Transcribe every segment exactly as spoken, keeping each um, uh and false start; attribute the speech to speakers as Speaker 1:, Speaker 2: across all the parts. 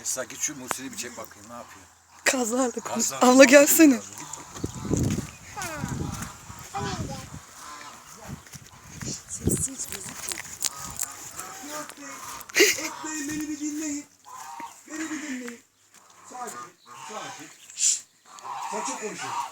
Speaker 1: Esra git şu Muhsin'i bir çek bakayım ne yapıyor.
Speaker 2: Kazlarla konuş.
Speaker 1: Kazlarla
Speaker 2: Abla gelsene.
Speaker 3: Sessiz gözüküyor.
Speaker 4: Yok Bey, Yok Bey beni bir dinleyin. Beni bir dinleyin. Sakin, sakin. Şşt. Sen çok konuşuyorsun.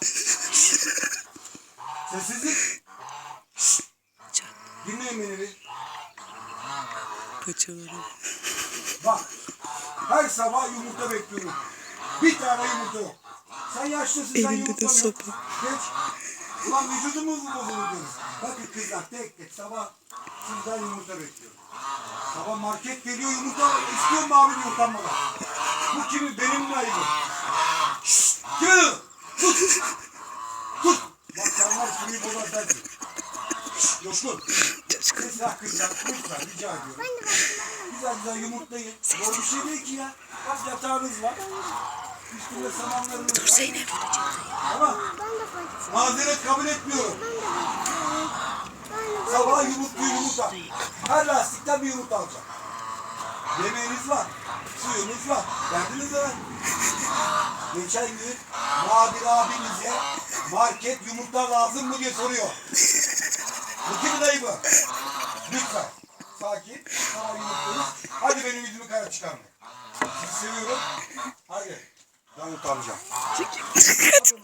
Speaker 4: Sessizlik. Şşt. Dinleyin beni bir.
Speaker 2: Paçaları.
Speaker 4: Bak, her sabah yumurta bekliyorum. Bir tane yumurta yok. Sen yaşlısın, sen
Speaker 2: Elinde de
Speaker 4: yumurta yok.
Speaker 2: sopa.
Speaker 4: Geç. Ulan vücudumuz mu bozulur diyoruz. Bakın kızlar tek tek sabah sizden yumurta bekliyorum. Sabah market geliyor yumurta istiyor mu abi diyor utanmadan. Bu kimin? Benim mi ayıbım? Şşşt! Kim? Tut! Tut! Bak sen var kimi bozan sensin. Şşşt! Coşkun! Kızlar kızlar lütfen rica ediyorum. Güzel güzel yumurtlayın. Zor bir şey değil ki ya. Bak yatağınız var. Üstünde samanlarınız var.
Speaker 2: Dur Zeynep.
Speaker 4: Tamam. Mazeret kabul etmiyorum. Sabah yumurtlu yumurta. Her lastikten bir yumurta alacağım. Yemeğiniz var. Suyunuz var. Derdiniz var. Geçen gün Nadir abinize market yumurta lazım mı diye soruyor. Bu kimin dayı bu? Lütfen. Sakin. Sabah yumurtluyoruz. Hadi benim yüzümü kara çıkarma. Sizi seviyorum. Hadi. Ben utanacağım.